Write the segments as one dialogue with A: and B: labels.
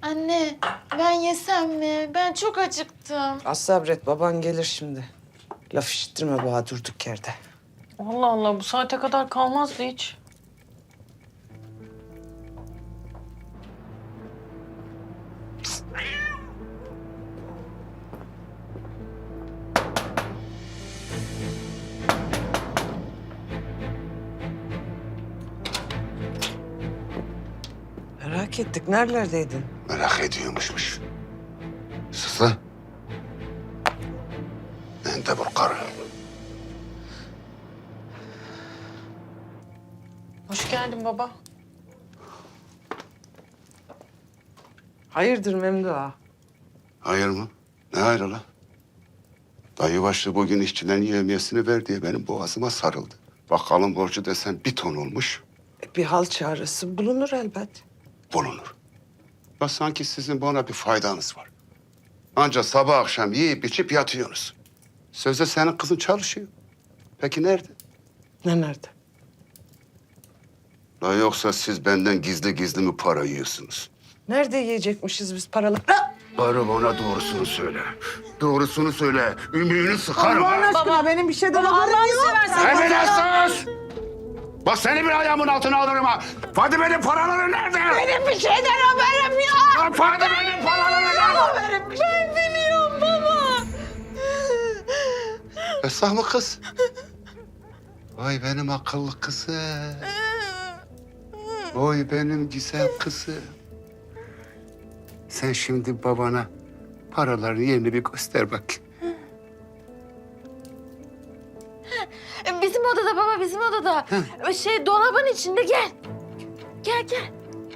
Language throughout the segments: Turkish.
A: Anne, ben yesem mi? Ben çok acıktım.
B: Az sabret, baban gelir şimdi. Laf işittirme bana durduk yerde.
C: Allah Allah, bu saate kadar kalmazdı hiç.
B: Merak ettik, nerelerdeydin?
D: Merak ediyormuşmuş. Sus lan. Ben de bu karı.
C: Hoş geldin baba.
B: Hayırdır Memdu ağa?
D: Hayır mı? Ne hayrı lan? Dayı başlı bugün işçilerin yevmiyesini ver diye benim boğazıma sarıldı. Bakalım borcu desen 1 ton olmuş.
B: Bir hal çaresi bulunur elbet.
D: Bulunur. Ya sanki sizin bana bir faydanız var. Ancak sabah akşam yiyip içip yatıyorsunuz. Sözde senin kızın çalışıyor. Peki nerede?
B: Ne nerede?
D: La yoksa siz benden gizli gizli mi para yiyorsunuz?
B: Nerede yiyecekmişiz biz paraları?
D: Karı bana doğrusunu söyle. Doğrusunu söyle. Ümüğünü sıkarım.
B: Allah'ın
D: ha.
B: aşkına benim bir şeyden haberim yok.
D: Emine sus! Bak seni bir ayağımın altına alırım ha. Fadime'nin paraları nerede?
A: Benim bir şeyden haberim yok.
D: Lan Fadime'nin paraları nerede?
A: Ben biliyorum baba.
D: Esah mı kız? Vay benim akıllı kızım. Vay benim güzel kızım. Sen şimdi babana paraların yerini bir göster bak.
A: Bizim odada baba, bizim odada. Dolabın içinde, gel. Gel.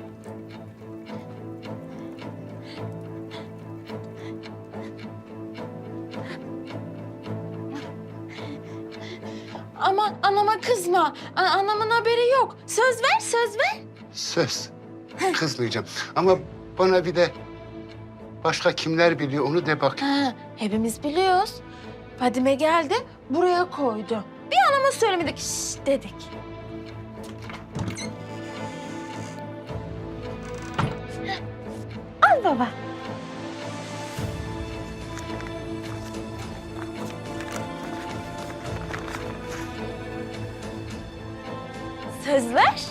A: Ama anama kızma. Anamın haberi yok. Söz ver.
D: Söz. Kızmayacağım. Ama bana bir de başka kimler biliyor onu de bak.
A: Hepimiz biliyoruz. Fadime geldi, buraya koydu. Bir anama söylemedik, şşş dedik. Al baba. Söz ver.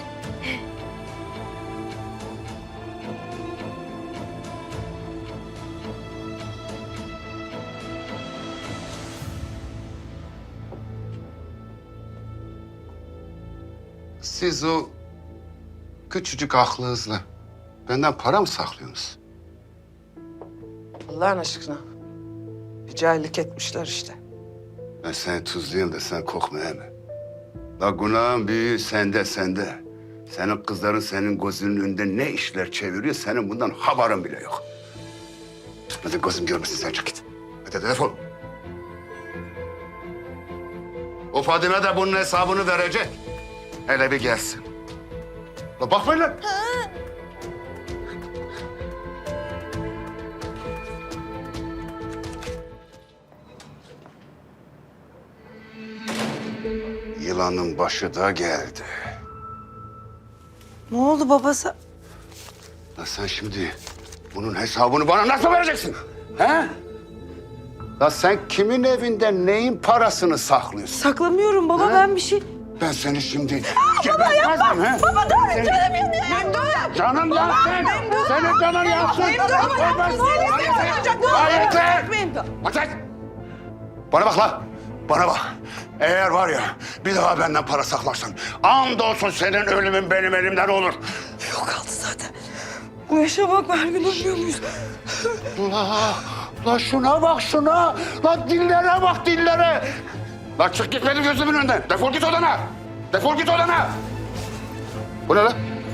D: Siz o küçücük aklınızla benden para mı saklıyorsunuz?
B: Allah'ın aşkına. Bir cahillik etmişler işte.
D: Ben seni tuzlayayım da sen kokma he mi? La günahın büyüğü sende. Senin kızların senin gözünün önünde ne işler çeviriyor senin bundan haberin bile yok. Hadi gözüm görmesin sen çık git. Hadi defol. O Fadime de bunun hesabını verecek. Hele bir gelsin. La bakmayın lan. Yılanın başı da geldi.
B: Ne oldu babası?
D: La sen şimdi bunun hesabını bana nasıl vereceksin? He? La sen kimin evinde neyin parasını saklıyorsun?
B: Saklamıyorum baba, ben bir şey...
D: Ben seni şimdi gebertmezdim he? Baba dur canım yanıyor. Canım yansın. Senin canın yansın. Yeter. Yeter. Bana bak la. Bana bak. Eğer var ya bir daha benden para saklarsan andolsun senin ölümün benim elimden olur.
B: Yok aldı zaten. Bu yaşa bak, her gün ölmüyor muyuz?
D: La şuna bak şuna. La dillere bak dillere. La çık git benim gözümün önünden. Defol git odana. Defol git odana. Bu ne lan?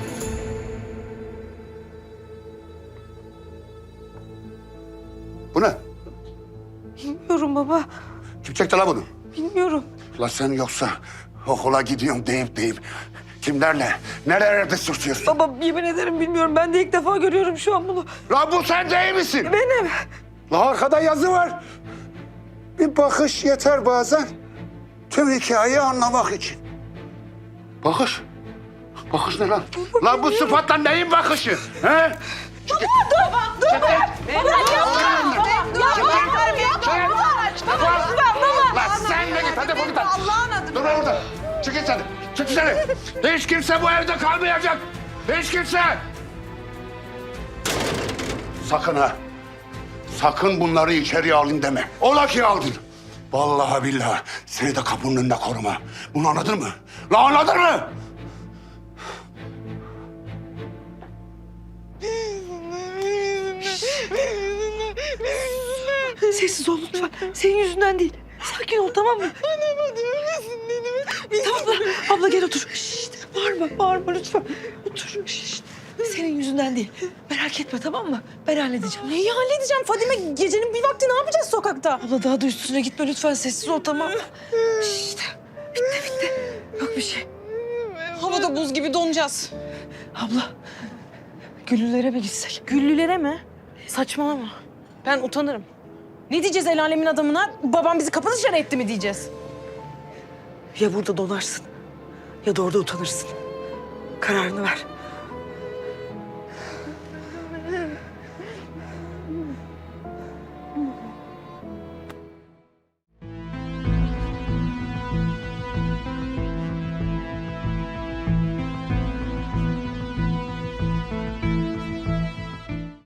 D: Bu ne?
B: Bilmiyorum baba,
D: Kim çekti la bunu?
B: bilmiyorum.
D: La sen yoksa okula gidiyorum deyip kimlerle, nerelerde sürtüyorsun?
B: Baba yemin ederim bilmiyorum, ben de ilk defa görüyorum şu an bunu.
D: La bu sen değil misin?
B: Benim.
D: La arkada yazı var. Bir bakış yeter bazen. Tüm hikayeyi anlamak için. Bakış? Bakış ne lan? Lan bu sıfatla neyin bakışı? He? Çık git. Dur. Çık git. Lan sen de git. Hadi defol git. Dur orada. Çık git sen. Çık dışarı. Hiç kimse bu evde kalmayacak. Hiç kimse. Sakın ha. Sakın bunları içeriye alın deme. Ola ki aldın. Vallahi billahi seni de kapının önünde koruma. Bunu anladın mı? La anladın mı?
E: Sessiz ol lütfen. Senin yüzünden değil. Sakin ol tamam mı? Tamam abla gel otur. Şişt, bağırma lütfen. Otur. Şişt. Senin yüzünden değil. Merak etme tamam mı? Ben halledeceğim.
F: Neyi halledeceğim Fadime? Gecenin bir vakti ne yapacağız sokakta?
E: Abla daha da üstüne gitme lütfen. Sessiz ol tamam mı? Şişt. Bitti. Yok bir şey.
F: Havada buz gibi donacağız.
E: Abla. Güllülere mi gitsek?
F: Güllülere mi? Saçmalama. Ben utanırım. Ne diyeceğiz el alemin adamına? Babam bizi kapı dışarı etti mi diyeceğiz?
E: Ya burada donarsın ya da orada utanırsın. Kararını ver.